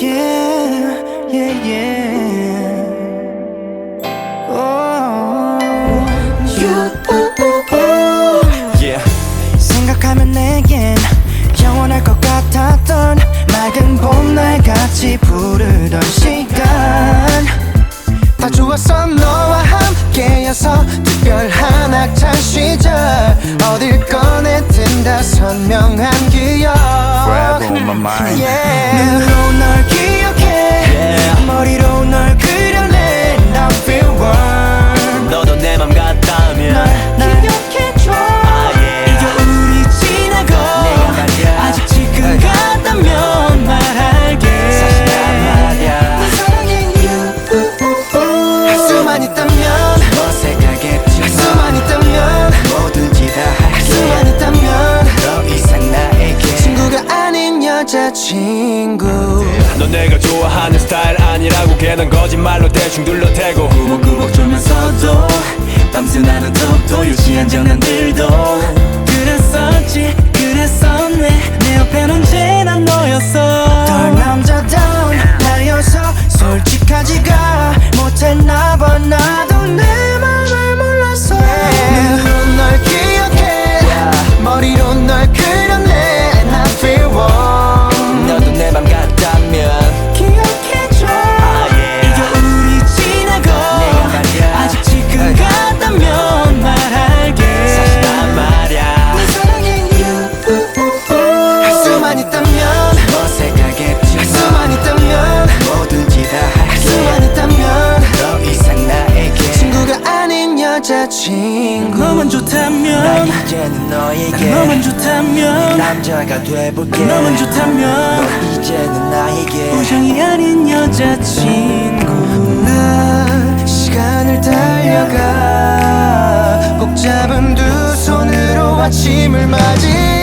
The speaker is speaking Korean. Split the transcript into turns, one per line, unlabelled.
Yeah, yeah, yeah. Oh, you,
Yeah.
생각하면 내겐 영원할 것 같았던 맑은 봄날 같이 부르던 시간 다 좋았어 너와 함께여서 특별한 학창 시절 어딜 꺼내든 다 선명한 기억
Forever on my mind.
yeah. 눈으로 널 기억해
Yeah.
머리로 널 그려내 I feel warm
너도 내 맘 같다면
날 기억해줘
yeah.
이겨 우리 지나고
내가 말야
아직 지금 같다면 말할게
사실 난 말야
널 사랑해 you 할 수만 있다면
어색하겠지
할 수만 있다면
뭐든지 다
할 수만
할게
있다면
더 이상 나에게
친구가 아닌 여자친구
넌 내가 좋아하는 스타일 아니라고 걔는 거짓말로 대충 둘러대고
꾸벅꾸벅 졸면서도 밤새 나는 톡도 유치한 장난들도 그랬었지 그랬었네 내 옆엔 언제나 너였어 덜 남자다운 나여서 솔직하지가 못했나 봐 나도 내 맘을 몰랐어 눈으로 널 기억해 머리로 널 그려내 And I feel warm
너도 내 맘 같다면
기억해줘
yeah.
이겨 우리 지나고
내가 말야
아직 지금 같다면 말할게
사실 난 말야
널 사랑해 you 할 수만 있다면
어색하겠지
할 수만 있다면
뭐든지 다
할
할게
수만 있다면
더 이상 나에게
친구가 아닌 여자친구 너만 좋다면
나 이제는 너에게
너만 좋다면
남자가 돼볼게
너만 좋다면
너 이제는 나에게
우정이 아닌 여자친구 나 시간을 달려가 꼭 잡은 두 손으로 아침을 맞이